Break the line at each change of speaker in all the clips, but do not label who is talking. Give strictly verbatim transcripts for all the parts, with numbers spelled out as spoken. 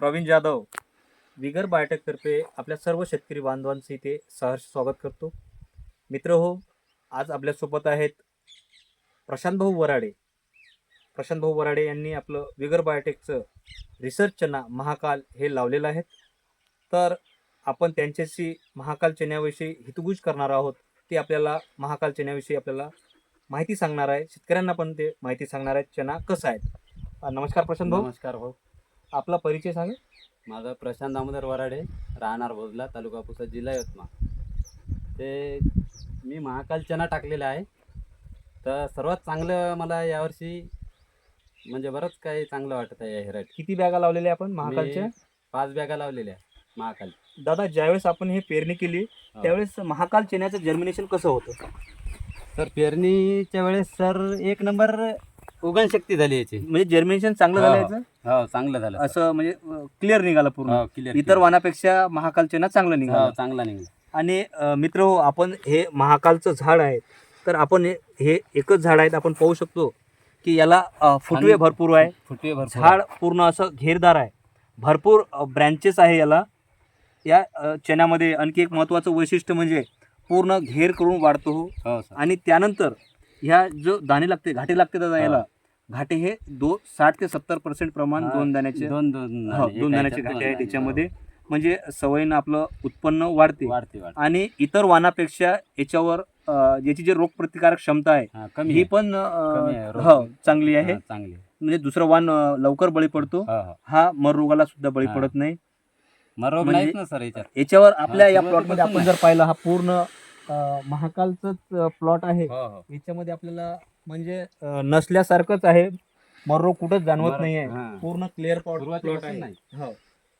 Pravin Jadhav vigour बायोटेकतर्फे आपल्या सर्व शेतकरी बांधवांचे इथे सहर्ष स्वागत करतो. मित्र हो, आज आपल्यासोबत आहेत प्रशांत भाऊ वराडे. प्रशांत भाऊ वराडे यांनी आपलं विगर बायोटेकचं रिसर्च चना महाकाल हे लावलेलं आहे. तर आपण त्यांच्याशी महाकाल चण्याविषयी हितगुज करणार आहोत. ते आपल्याला महाकाल चण्याविषयी आपल्याला माहिती सांगणार आहे. शेतकऱ्यांना पण ते माहिती सांगणार आहेत चना कसं आहे. नमस्कार प्रशांत भाऊ.
नमस्कार भाऊ.
आपला परिचय सांगा.
माझा प्रशांत दामोदर वराडे, राहणार भोजला, तालुका पुसद, जिल्हा यवतमाळ. ते मी महाकाल चना टाकलेला आहे. तर सर्वात चांगलं मला यावर्षी म्हणजे बरंच काही चांगलं वाटत आहे. या हेराट
किती बॅगा लावलेल्या आपण महाकालच्या?
पाच बॅगा लावलेल्या महाकाल.
दादा, ज्यावेळेस आपण हे पेरणी केली त्यावेळेस महाकाल चण्याचं जर्मिनेशन कसं होतं?
तर पेरणीच्या वेळेस सर एक नंबर उगण शक्ती झाली याची.
म्हणजे जर्मिनेशन चांगलं झालं याचं?
हो, चांगलं झालं
असं म्हणजे क्लिअर निघालं पूर्ण.
हो, क्लिअर.
इतर वाणापेक्षा महाकाल चना चांगलं निघालं.
हो, चांगला निघाला.
आणि अ, मित्र हो, आपण हे महाकालचं झाड आहे. तर आपण हे हे एकच झाड आहे, आपण पाहू शकतो की याला अ, फुटवे भरपूर आहे.
फुटवे भरपूर.
झाड पूर्ण असं घेरदार आहे. भरपूर ब्रँचेस आहे याला. या अ, चण्यामध्ये आणखी एक महत्त्वाचं वैशिष्ट्य म्हणजे पूर्ण घेर करून वाढतो.
हो सर.
आणि त्यानंतर ह्या जो दाणे लागते, घाटे लागते दादा
हा.
याला, घाटे हे दो साठ ते सत्तर पर्सेंट प्रमाण
हा,
दोन दाण्याचे
दोन दोन
हो, दोन दाण्याचे घाटे आहे त्याच्यामध्ये. म्हणजे सवयीनं आपलं उत्पन्न वाढते.
वाढते वाढते.
आणि इतर वाणापेक्षा याच्यावर अ, याची जी रोगप्रतिकारक क्षमता आहे
हा, कमी
ही
आहे.
पण अ,
कमी आहे, रोग-
हो, चांगली आहे.
हा, चांगली आहे.
म्हणजे दुसरं वाण अ, लवकर बळी पडतो.
हो, हो.
हा मर रोगाला सुद्धा बळी
हा.
पडत नाही.
मग रोग
म्हणजे
नाहीच ना सर याच्यात.
याच्यावर आपल्या या
सुरुवातीपासून
प्लॉटमध्ये आपण
नाही.
जर पाहिलं, हा पूर्ण अ, महाकालचंच प्लॉट आहे.
हो, हो.
याच्यामध्ये आपल्याला म्हणजे अ, नसल्यासारखंच आहे. मर रोग कुठंच जाणवत
मर-
नाही आहे.
हा.
पूर्ण क्लिअर प्लॉट
सुरुवातीपासून
आहे.
नाही.
हो.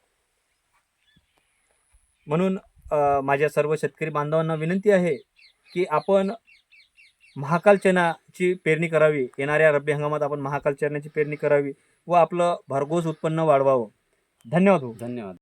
म्हणून अ, माझ्या सर्व शेतकरी बांधवांना विनंती आहे की आपण महाकाल चण्याची पेरणी करावी. येणाऱ्या रब्बी हंगामात आपण महाकाल चण्याची पेरणी करावी व आपलं भरघोस उत्पन्न वाढवावं. धन्यवाद.
धन्यवाद.